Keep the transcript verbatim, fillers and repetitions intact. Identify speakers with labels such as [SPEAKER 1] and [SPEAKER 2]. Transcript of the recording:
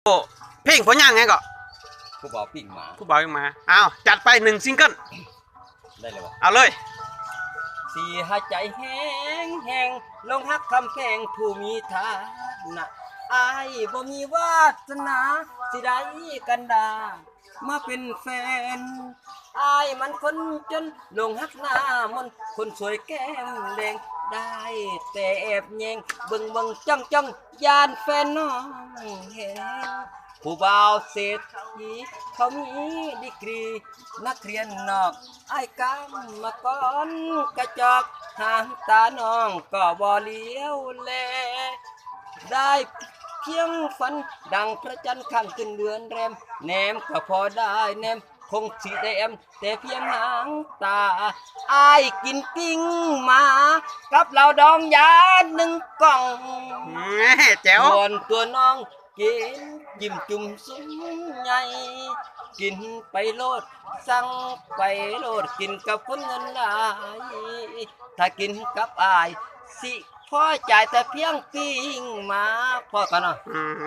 [SPEAKER 1] โอ้เพลงผลงานไงก็
[SPEAKER 2] ผู้บ่าวปิ้งหมา
[SPEAKER 1] ผู้บ่าวยังมาอ้าวจัดไปหนึ่งซิงเกิล
[SPEAKER 2] ได้เลยวะ
[SPEAKER 1] เอาเลย
[SPEAKER 2] สีหายใจแห้งแห้งลงฮักคำแพงผู้มีฐานะอายบ่มีวาสนาสิได้กันดามาเป็นแฟนอายมันคนจนลงฮักหน้ามนคนสวยแก้มแดงได้แต่แอบแยงเบิ่งเบิ่งจ้องจ้องยานแฟนน้องเห็นผู้บ่าวเศรษฐีเขามีดีกรีนักเรียนนอกไอ้ายกำมาก่อนกระจอกหางตาน้องก็บ่เลี้ยวแลได้เพียงฝันดังพระจันทร์ข้างขึ้นเดือนแรมแนมก็พอได้แนมคงสีแดมแต่เพียงหางตาอายกินปิ้งมากับเหล่าดองยาหนึ่งกล่อง
[SPEAKER 1] แหม่แจ๋ว
[SPEAKER 2] ส่วนตัวน้องกินยิ้มจุ่มซุ้มใหญ่กินไปโลดสั่งไปโลดกินกับคนเงินหลายถ้ากินกับอายสิพอจ่ายแต่เพียงปิ้งมาพอกันเนาะ
[SPEAKER 1] อืม